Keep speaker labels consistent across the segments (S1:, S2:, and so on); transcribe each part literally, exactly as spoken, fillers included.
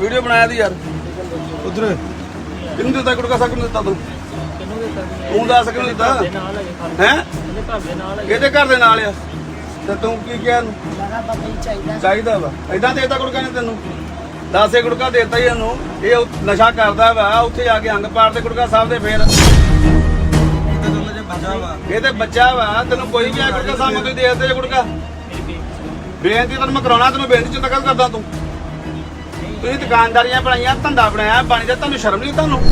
S1: Video बनाया थी यार उधर किन्नू दिता गुटका सा किन्नू दिता तू तू दस किन्नू दिता हैं किहदे घर दे नाल आ ते तू की किहा चाहिदा वा इदां देता गुटका ने तैनू दस गुटका देता ही ਇਹਨੂੰ ਇਹ ਨਸ਼ਾ ਕਰਦਾ ਵਾ ਉੱਥੇ ਜਾ ਕੇ ਅੰਗ ਪਾੜ ਦੇ ਗੁਟਕਾ ਸਾਹਿਬ ਦੇ ਫੇਰ ਇਹ ਤੇ ਬੱਚਾ ਵਾ ਤੈਨੂੰ ਕੋਈ ਵੀ ਆ ਗੁਟਕਾ ਸਾਹਿਬ ਨੂੰ ਦੇ ਦੇ ਗੁਟਕਾ ਬੇਨਤੀ ਤੈਨੂੰ ਮੈਂ ਕਰਾਉਣਾ ਤੈਨੂੰ ਬੇਨਤੀ ਚੰਦਾ ਕਰ ਕਰਦਾ ਤੂੰ ਤੁਸੀਂ ਦੁਕਾਨਦਾਰੀਆਂ ਬਣਾਈਆਂ ਧੰਦਾ ਬਣਾਇਆ ਬਣ ਜਾ ਤੁਹਾਨੂੰ ਸ਼ਰਮ ਨਹੀਂ ਤੁਹਾਨੂੰ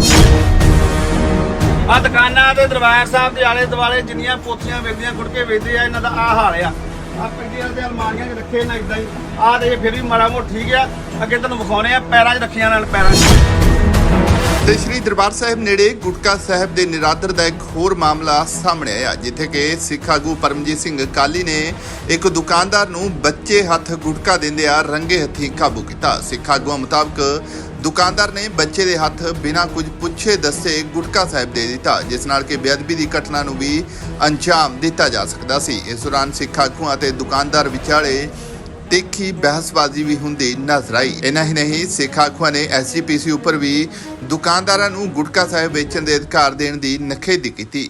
S1: ਆ ਦੁਕਾਨਾਂ ਦੇ ਦਰਬਾਰ ਸਾਹਿਬ ਦੇ ਆਲੇ ਦੁਆਲੇ ਜਿੰਨੀਆਂ ਪੋਥੀਆਂ ਵੇਚਦੀਆਂ ਗੁਟਕੇ ਵੇਚਦੇ ਆ ਇਹਨਾਂ ਦਾ ਆ ਹਾਲ ਆ ਆ ਪਿੰਡੀਆਂ ਦੇ ਅਲਮਾਰੀਆਂ 'ਚ ਰੱਖੇ ਨਾ ਇਦਾਂ ਹੀ ਆ ਤੇ ਫਿਰ ਵੀ ਮਾੜਾ ਮੋਟ ਠੀਕ ਆ ਅੱਗੇ ਤੁਹਾਨੂੰ ਵਿਖਾਉਣੇ ਆ ਪੈਰਾਂ 'ਚ ਰੱਖੀਆਂ ਨਾਲ ਪੈਰਾਂ 'ਚ
S2: ਤੇ ਸ਼੍ਰੀ ਦਰਬਾਰ ਸਾਹਿਬ ਨੇੜੇ ਗੁਟਕਾ ਸਾਹਿਬ ਦੇ ਨਿਰਾਦਰ ਦਾ ਇੱਕ ਹੋਰ ਮਾਮਲਾ ਸਾਹਮਣੇ ਆਇਆ ਜਿੱਥੇ ਕਿ ਸਿੱਖ ਆਗੂ ਪਰਮਜੀਤ ਸਿੰਘ ਕਾਲੀ ਨੇ ਇੱਕ ਦੁਕਾਨਦਾਰ ਨੂੰ ਬੱਚੇ ਹੱਥ ਗੁਟਕਾ ਦਿੰਦਿਆਂ ਰੰਗੇ ਹੱਥੀਂ ਕਾਬੂ ਕੀਤਾ। ਸਿੱਖ ਆਗੂਆਂ ਮੁਤਾਬਕ ਦੁਕਾਨਦਾਰ ਨੇ ਬੱਚੇ ਦੇ ਹੱਥ ਬਿਨਾਂ ਕੁਝ ਪੁੱਛੇ ਦੱਸੇ ਗੁਟਕਾ ਸਾਹਿਬ ਦੇ ਦਿੱਤਾ ਜਿਸ ਨਾਲ ਕਿ ਬੇਅਦਬੀ ਦੀ ਘਟਨਾ ਨੂੰ ਵੀ ਅੰਜਾਮ ਦਿੱਤਾ ਜਾ ਸਕਦਾ ਸੀ। ਇਸ ਦੌਰਾਨ ਸਿੱਖ ਆਗੂਆਂ ਅਤੇ ਦੁਕਾਨਦਾਰ ਵਿਚਾਲੇ ਤਿੱਖੀ ਬਹਿਸਬਾਜ਼ੀ ਵੀ ਹੁੰਦੀ ਨਜ਼ਰ ਆਈ। ਇਨਾ ਹੀ ਨਹੀਂ ਸਿੱਖ ਆਗੂਆਂ ਨੇ ਐਸ ਜੀ ਪੀ ਸੀ ਉੱਪਰ ਵੀ ਦੁਕਾਨਦਾਰਾਂ ਨੂੰ ਗੁਟਕਾ ਸਾਹਿਬ ਵੇਚਣ ਦੇ ਅਧਿਕਾਰ ਦੇਣ ਦੀ ਨਖੇਦੀ ਕੀਤੀ।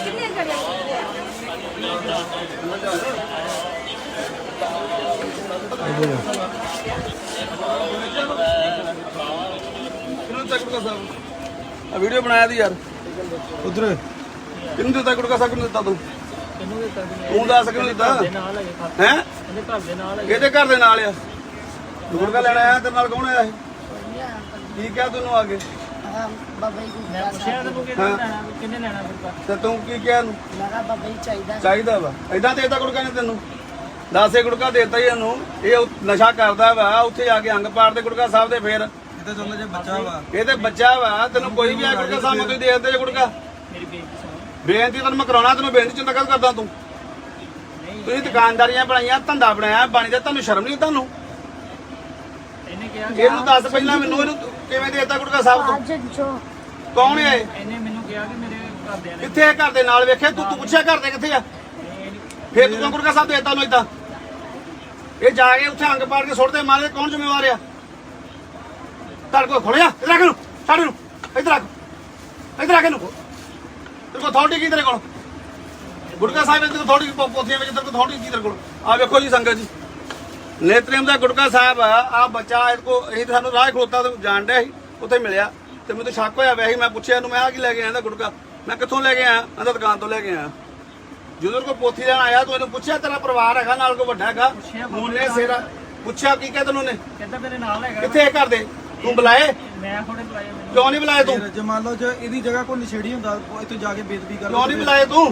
S1: वीडियो बनाया थी यार उधर किन्नू दिता गुटका सा किन्नू दिता तू तू दस किन्नू दिता हैं किहदे घर दे नाल आ गुटका लेना आया तेरे नाल कौन आया की क्या तैनू आगे ते तू की क्या चाहिदा वा इदां देता गुटका ने तैनू दस गुटका देता ही ਇਹਨੂੰ ਇਹ ਨਸ਼ਾ ਕਰਦਾ ਵਾ ਉੱਥੇ ਜਾ ਕੇ ਅੰਗ ਪਾੜ ਦੇ ਗੁਟਕਾ ਸਾਹਿਬ ਦੇ ਫੇਰ ਇਹ ਤੇ ਬੱਚਾ ਵਾ ਤੈਨੂੰ ਕੋਈ ਵੀ ਆ ਗੁਟਕਾ ਸਾਹਿਬ ਨੂੰ ਦੇ ਦਿੰਦੇ ਗੁਟਕਾ ਬੇਨਤੀ ਤੈਨੂੰ ਮੈਂ ਕਰਾਉਣਾ ਤੈਨੂੰ ਬੇਨਤੀ ਚੰਦਾ ਕਰ ਕਰਦਾ ਤੂੰ ਤੁਸੀਂ ਦੁਕਾਨਦਾਰੀਆਂ ਬਣਾਈਆਂ ਧੰਦਾ ਬਣਾਇਆ ਬਣ ਜਾ ਤੁਹਾਨੂੰ ਸ਼ਰਮ ਨਹੀਂ ਤੁਹਾਨੂੰ ਇਹਨੂੰ ਦੱਸ ਪਹਿਲਾਂ ਮੈਨੂੰ ਇਹਨੂੰ ਕਿਵੇਂ ਦੇਤਾ ਗੁਟਕਾ ਸਾਹਿਬ ਤੋਂ ਕੌਣ ਹੈ
S3: ਇਹਨੇ ਮੈਨੂੰ ਕਿਹਾ ਕਿ ਮੇਰੇ ਘਰਦਿਆਂ ਨੇ
S1: ਕਿੱਥੇ ਘਰ ਦੇ ਨਾਲ ਵੇਖਿਆ ਤੂੰ ਤੂੰ ਪੁੱਛਿਆ ਘਰ ਦੇ ਕਿੱਥੇ ਆ ਫੇਰ ਤੂੰ ਗੁਟਕਾ ਸਾਹਿਬ ਦੇਤਾ ਉਹਨੂੰ ਏਦਾਂ ਇਹ ਜਾ ਕੇ ਉੱਥੇ ਅੰਗ ਪਾੜ ਕੇ ਸੁੱਟਦੇ ਮਾਰੇ ਕੌਣ ਜ਼ਿੰਮੇਵਾਰ ਆ ਤੜ ਕੋ ਖੋਲਿਆ ਇਧਰ ਆ ਕੇ ਨੂੰ ਛੱਡ ਨੂੰ ਇਧਰ ਆ ਇਧਰ ਆ ਕੇ ਨੂੰ ਤੇਰੇ ਕੋਲ ਅਥਾਰਟੀ ਕੀ ਤੇਰੇ ਕੋਲ ਗੁਟਕਾ ਸਾਹਿਬ ਦੇ ਅਥਾਰਟੀ ਪੋਥੀਆਂ ਵਿੱਚ ਤੇਰੇ ਕੋਲ ਅਥਾਰਟੀ ਕੀ ਤੇਰੇ ਕੋਲ ਆ ਵੇਖੋ ਜੀ ਸੰਗਤ ਜੀ ਨੇਤਰੇਮ ਦਾ ਗੁਟਕਾ ਸਾਹਿਬ ਆ ਆ ਬੱਚਾ ਇਹ ਕੋ ਇਹ ਸਾਨੂੰ ਰਾਹ ਖਲੋਤਾ ਤੇ ਜਾਣ ਡਿਆ ਸੀ ਉੱਥੇ ਮਿਲਿਆ ਤੇ ਮੈਨੂੰ ਸ਼ੱਕ ਹੋਇਆ ਵੈਸੇ ਮੈਂ ਪੁੱਛਿਆ ਇਹਨੂੰ ਮੈਂ ਆ ਕੀ ਲੈ ਕੇ ਆਇਆ ਗੁਟਕਾ ਮੈਂ ਕਿੱਥੋਂ ਲੈ ਕੇ ਆਇਆ ਕਹਿੰਦਾ ਦੁਕਾਨ ਤੋਂ ਲੈ ਕੇ ਆਇਆ ਜਦੋਂ ਕੋ ਪੋਥੀ ਲੈਣ ਆਇਆ ਤੂੰ ਇਹਨੂੰ ਪੁੱਛਿਆ ਤੇਰਾ ਪਰਿਵਾਰ ਹੈਗਾ ਨਾਲ ਕੋ ਵੱਡਾ ਹੈਗਾ ਮੂਨੇ ਸੇਰਾ ਪੁੱਛਿਆ ਕੀ ਕਹਿੰਦਾ ਤੈਨੂੰ ਨੇ
S3: ਕਹਿੰਦਾ ਮੇਰੇ ਨਾਲ ਹੈਗਾ
S1: ਕਿੱਥੇ ਘਰ ਦੇ ਤੂੰ ਬੁਲਾਏ
S3: ਮੈਂ ਹੁਣੇ ਬੁਲਾਇਆ ਮੈਨੂੰ
S1: ਕਿਉਂ ਨਹੀਂ ਬੁਲਾਏ ਤੂੰ
S4: ਜੇ ਮੰਨ ਲਓ ਜੇ ਇਹਦੀ ਜਗ੍ਹਾ ਕੋਈ ਨਸ਼ੇੜੀ ਹੁੰਦਾ ਇੱਥੇ ਜਾ ਕੇ ਬੇਦਬੀ ਕਰ
S1: ਕਿਉਂ ਨਹੀਂ ਬੁਲਾਏ ਤੂੰ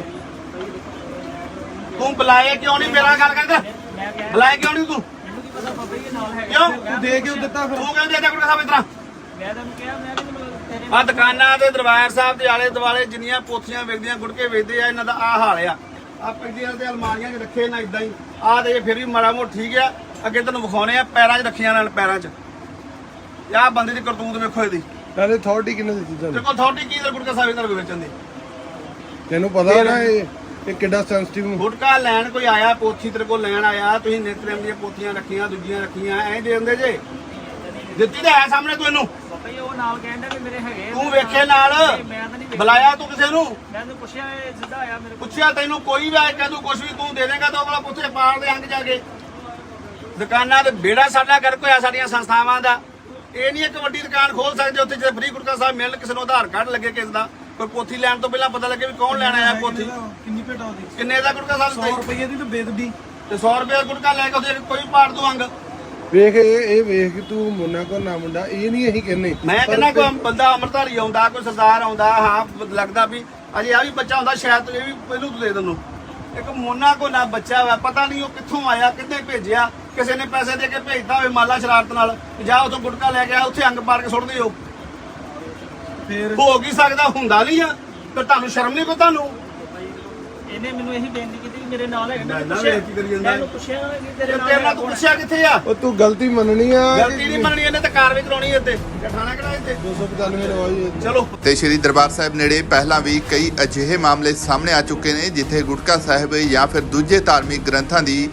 S1: ਤੂੰ ਬੁਲਾਏ ਕਿਉਂ ਨਹੀਂ ਮੇਰਾ ਗੱਲ ਕਰਦਾ
S3: ਮੈਂ ਕਿਹਾ
S1: ਬੁਲਾਏ ਕਿਉਂ ਨਹੀਂ ਤੂੰ
S3: ਮੈਨੂੰ ਕੀ ਪਤਾ ਬਾਬਾ ਜੀ ਨਾਲ ਹੈਗਾ
S1: ਕਿਉਂ
S4: ਤੂੰ ਦੇ ਕਿਉਂ ਦਿੱਤਾ ਫਿਰ
S1: ਤੂੰ ਕਹਿੰਦੇ ਦੇਦਾ ਗੁਟਕਾ ਸਾਹਿਬ ਇਤਰਾ
S3: ਮੈਂ ਤੈਨੂੰ ਕਿਹਾ ਮੈਂ ਕਿ ਤੇਰੇ
S1: ਆ ਦੁਕਾਨਾਂ ਦੇ ਦਰਬਾਰ ਸਾਹਿਬ ਦੇ ਆਲੇ ਦੁਆਲੇ ਜਿੰਨੀਆਂ ਪੋਥੀਆਂ ਵੇਚਦੀਆਂ ਗੁਟਕੇ ਵੇਚਦੇ ਆ ਇਹਨਾਂ ਦਾ ਆ ਹਾਲ ਆ ਆ ਪਿੰਡੀਆਂ ਦੇ ਅਲਮਾਰੀਆਂ 'ਚ ਰੱਖੇ ਨਾ ਇਦਾਂ ਹੀ ਆ ਤੇ ਫਿਰ ਵੀ ਮਾੜਾ ਮੋਟ ਠੀਕ ਆ ਅੱਗੇ ਤੁਹਾਨੂੰ ਵਿਖਾਉਣੇ ਆ ਪੈਰਾਂ 'ਚ ਰੱਖੀਆਂ ਨਾਲ ਪੈਰਾਂ 'ਚ ਆਹ ਬੰਦੇ ਦੀ ਕਰਤੂਤ ਵੇਖੋ ਇਹਦੀ
S4: ਨਾਲੇ ਅਥਾਰਟੀ ਕਿੰਨੇ ਦਿੱਤੀ
S1: ਤੇਰੇ ਕੋਲ ਅਥਾਰਟੀ ਕੀ ਗੁਟਕਾ ਸਾਹਿਬ ਇਹਨਾਂ ਨੂੰ ਵੇਚਣ ਦੀ
S4: ਤੈਨੂੰ ਪਤਾ ਨਾ ਇਹ ਇਹ ਕਿੱਡਾ ਸੈਂਸਿਟਿਵ
S1: ਗੁਟਕਾ ਲੈਣ ਕੋਈ ਆਇਆ ਪੋਥੀ ਤੇਰੇ ਕੋਲ ਲੈਣ ਆਇਆ ਤੁਸੀਂ ਨੇਤਰੇਮ ਦੀਆਂ ਪੋਥੀਆਂ ਰੱਖੀਆਂ ਦੂਜੀਆਂ ਰੱਖੀਆਂ ਐਂ ਦੇ ਦਿੰਦੇ ਜੇ ਦਿੱਤੀ ਤਾਂ ਹੈ ਸਾਹਮਣੇ ਤੂੰ ਇਹਨੂੰ
S3: ਬਾਬਾ ਜੀ ਉਹ ਨਾਲ ਕਹਿੰਦਾ ਵੀ ਮੇਰੇ ਹੈਗੇ
S1: ਤੂੰ ਵੇਖੇ ਨਾਲ
S3: ਮੈਂ ਤਾਂ ਨਹੀਂ
S1: ਬੁਲਾਇਆ ਤੂੰ ਕਿਸੇ ਨੂੰ
S3: ਮੈਂ ਤੈਨੂੰ ਪੁੱਛਿਆ ਇਹ ਸਿੱਧਾ ਆਇਆ ਮੇਰੇ ਕੋਲ
S1: ਪੁੱਛਿਆ ਤੈਨੂੰ ਕੋਈ ਵੀ ਆਏ ਕਹਿੰਦਾ ਕੁਛ ਵੀ ਤੂੰ ਦੇ ਦੇਗਾ ਤਾਂ ਉਹ ਵਾਲਾ ਪੁੱਛੇ ਪਾੜ ਦੇ ਅੰਗ ਜਾ ਕੇ ਦੁਕਾਨਾਂ ਤੇ ਬੇੜਾ ਸਾਡਾ ਕਰ ਕੋਈ ਆ ਸਾਡੀਆਂ ਸੰਸਥਾਵਾਂ ਦਾ ਇਹ ਨਹੀਂ ਇੱਕ ਵੱਡੀ ਦੁਕਾਨ ਖੋਲ ਸਕਦੇ ਉੱਥੇ ਜੇ ਫ੍ਰੀ ਗੁਟਕਾ ਸਾਹਿਬ ਮਿਲਣ ਕਿਸੇ ਨੂੰ ਆਧਾਰ ਕਾਰਡ ਲੱਗੇ ਕਿਸੇ ਦਾ ਕੋਈ ਪੋਥੀ ਲੈਣ ਤੋਂ ਪਹਿਲਾਂ ਪਤਾ ਲੱਗੇ ਵੀ ਕੌਣ ਲੈਣ ਆਇਆ ਪੋਥੀ
S4: ਕਿੰਨੀ ਭੇਟਾ ਉਹਦੀ
S1: ਕਿੰਨੇ ਦਾ ਗੁਟਕਾ ਸਾਹਿਬ
S4: ਸੌ ਰੁਪਏ ਦੀ ਤਾਂ ਬੇਦਬੀ
S1: ਤੇ ਸੌ ਰੁਪਏ ਦਾ ਗੁਟਕਾ ਲੈ ਕੇ ਉਹਦੇ ਕੋਈ ਪਾੜ ਦੂ ਅੰਗ
S4: ਵੇਖ ਇਹ ਇਹ ਵੇਖ ਕਿ ਤੂੰ ਮੁੰਨਾ ਕੋ ਨਾ ਮੁੰਡਾ ਇਹ ਨਹੀਂ ਅਸੀਂ ਕਹਿੰਨੇ
S1: ਮੈਂ ਕਹਿੰਦਾ ਕੋਈ ਬੰਦਾ ਅੰਮ੍ਰਿਤਧਾਰੀ ਆਉਂਦਾ ਕੋਈ ਸਰਦਾਰ ਆਉਂਦਾ ਹਾਂ ਲੱਗਦਾ ਵੀ ਅਜੇ ਆ ਵੀ ਬੱਚਾ ਹੁੰਦਾ ਸ਼ਾਇਦ ਇਹ ਵੀ ਪਹਿਲੂ ਤੋਂ ਦੇ ਦਿੰਨੂ ਇੱਕ ਮੋਨਾ ਕੋ ਨਾ ਬੱਚਾ ਵਾ ਪਤਾ ਨਹੀਂ ਉਹ ਕਿੱਥੋਂ ਆਇਆ ਕਿੱਥੇ ਭੇਜਿਆ ਕਿਸੇ ਨੇ ਪੈਸੇ ਦੇ ਕੇ ਭੇਜਦਾ ਹੋਵੇ ਮਾਲਾ ਸ਼ਰਾਰਤ ਨਾਲ ਜਾ ਉਥੋਂ ਗੁਟਕਾ ਲੈ ਕੇ ਆ ਉੱਥੇ ਅੰਗ ਪਾੜ ਕੇ ਸੁੱਟ ਦਿਓ
S4: ਫੇਰ
S1: ਹੋ ਕੀ ਸਕਦਾ ਹੁੰਦਾ ਨਹੀਂ ਆ ਤੇ ਤੁਹਾਨੂੰ ਸ਼ਰਮ ਨਹੀਂ ਕੋ ਤੁਹਾਨੂੰ
S3: ਇਹਨੇ ਮੈਨੂੰ ਇਹੀ ਬੇਨਤੀ ਕੀਤੀ ਕਿ ਮੇਰੇ ਨਾਲ ਹੈਗਾ
S1: ਨਾ,
S3: ਮੈਂ
S1: ਨਾ,
S3: ਪੁੱਛਿਆ
S1: ਵੇਖ ਕੀ ਕਰੀ ਜਾਂਦਾ।
S3: ਮੈਂ ਪੁੱਛਿਆ ਕਿ ਤੇਰੇ ਨਾਲ
S1: ਤੇਰੇ
S3: ਹੈਗਾ
S1: ਨਾਲ ਤੂੰ
S3: ਕੌਣ?
S1: ਪੁੱਛਿਆ ਕਿੱਥੇ ਆ
S4: ਉਹ ਤੂੰ ਗਲਤੀ ਮੰਨਣੀ ਆ
S1: ਗਲਤੀ ਨਹੀਂ ਮੰਨਣੀ ਇਹਨੇ ਤੇ ਕਾਰਵਾਈ ਕਰਾਉਣੀ ਇੱਥੇ ਠਾਣਾ ਕਿਹੜਾ ਇੱਥੇ
S4: ਦੋ ਸੌ ਪਚਾਨਵੇਂ ਰਵਾਈ
S1: ਚਲੋ
S2: ਤੇ ਸ਼੍ਰੀ ਦਰਬਾਰ ਸਾਹਿਬ ਨੇੜੇ ਪਹਿਲਾਂ ਵੀ ਕਈ ਅਜਿਹੇ ਮਾਮਲੇ ਸਾਹਮਣੇ ਆ ਚੁੱਕੇ ਨੇ ਜਿੱਥੇ ਗੁਟਕਾ ਸਾਹਿਬ ਜਾਂ ਫਿਰ ਦੂਜੇ ਧਾਰਮਿਕ ਗ੍ਰੰਥਾਂ ਦੀ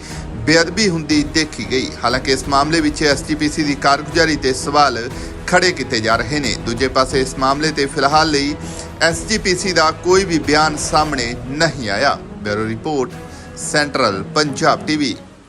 S2: ਬੇਅਦਬੀ ਹੁੰਦੀ ਦੇਖੀ ਗਈ। ਹਾਲਾਂਕਿ ਇਸ ਮਾਮਲੇ ਵਿੱਚ ਐਸ ਜੀ ਪੀ ਸੀ ਦੀ ਕਾਰਗੁਜ਼ਾਰੀ ਤੇ ਸਵਾਲ ਖੜੇ ਕੀਤੇ ਜਾ ਰਹੇ ਨੇ। ਦੂਜੇ ਪਾਸੇ ਇਸ ਮਾਮਲੇ ਤੇ ਫਿਲਹਾਲ ਲਈ ਐਸ ਜੀ ਪੀ ਸੀ ਦਾ ਕੋਈ ਵੀ ਬਿਆਨ ਸਾਹਮਣੇ ਨਹੀਂ ਆਇਆ। Bureau report, central Punjab TV.